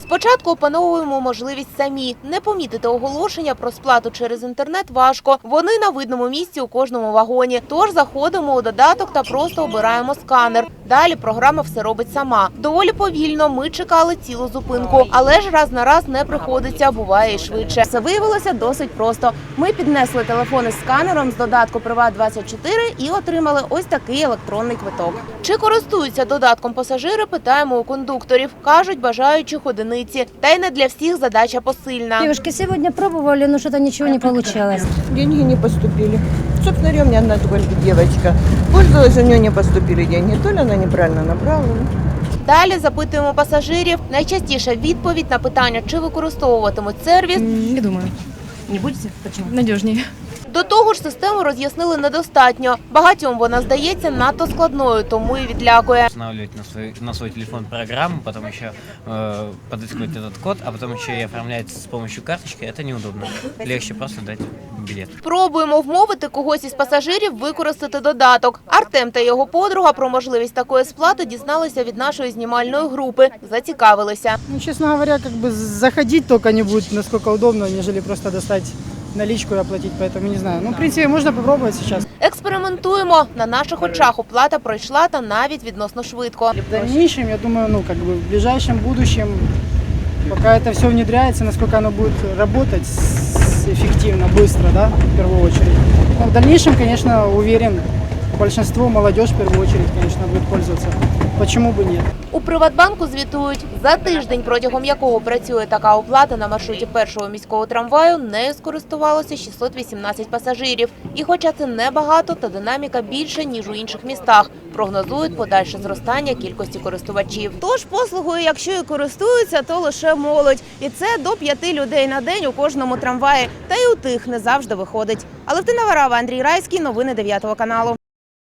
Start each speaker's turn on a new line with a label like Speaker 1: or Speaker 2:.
Speaker 1: Спочатку опановуємо можливість самі. Не помітити оголошення про сплату через інтернет важко. Вони на видному місці у кожному вагоні. Тож заходимо у додаток та просто обираємо сканер. Далі програма все робить сама. Доволі повільно, ми чекали цілу зупинку. Але ж раз на раз не приходиться, буває і швидше.
Speaker 2: Все виявилося досить просто. Ми піднесли телефони з сканером з додатку «Приват24» і отримали ось такий електронний квиток.
Speaker 1: Чи користуються додатком пасажири, питаємо у кондукторів. Кажуть, бажаючих одиниці. Та й не для всіх задача посильна.
Speaker 3: Девушки, сегодня пробовали, но что-то ничего не получалось.
Speaker 4: Деньги не поступили. Собственно говоря, у меня одна только девочка пользовалась, у нее не поступили деньги. То ли она неправильно направила.
Speaker 1: Далі запитуємо пасажирів. Найчастіша відповідь на питання, чи використовуватимуть сервіс.
Speaker 5: Не думаю.
Speaker 3: Не будете? Почему?
Speaker 5: Надежнее.
Speaker 1: До того ж, систему роз'яснили недостатньо. Багатьом вона здається надто складною, тому і відлякує.
Speaker 6: Устанавливать на свой телефон программу, потом еще подыскивать этот код, а потом еще и оформлять с помощью карточки, это неудобно. Легче просто дать билет.
Speaker 1: Пробуємо вмовити когось із пасажирів використати додаток. Артем та його подруга про можливість такої сплати дізналися від нашої знімальної групи. Зацікавилися.
Speaker 7: Ну, честно говоря, как бы заходить только не будет насколько удобно, нежели просто достать наличку и оплатить, поэтому не знаю. Ну, в принципе, можно попробовать сейчас.
Speaker 1: Експериментуємо. На наших очах оплата пройшла та навіть відносно швидко.
Speaker 7: В дальнейшем, я думаю, ну, как бы в ближайшем будущем, пока это все внедряется, насколько оно будет работать эффективно, быстро, да, в первую очередь. Но в дальнейшем, конечно, уверен, большинство, молодежь в первую очередь, конечно, будет пользоваться. Почему бы нет?
Speaker 1: У Приватбанку звітують, за тиждень, протягом якого працює така оплата на маршруті першого міського трамваю, нею скористувалося 618 пасажирів. І хоча це небагато, та динаміка більша, ніж у інших містах, прогнозують подальше зростання кількості користувачів.
Speaker 2: Тож послугою, якщо і користуються, то лише молодь. І це до 5 людей на день у кожному трамваї. Та й у тих не завжди виходить. Алевтина Варава, Андрій Райський, новини 9 каналу.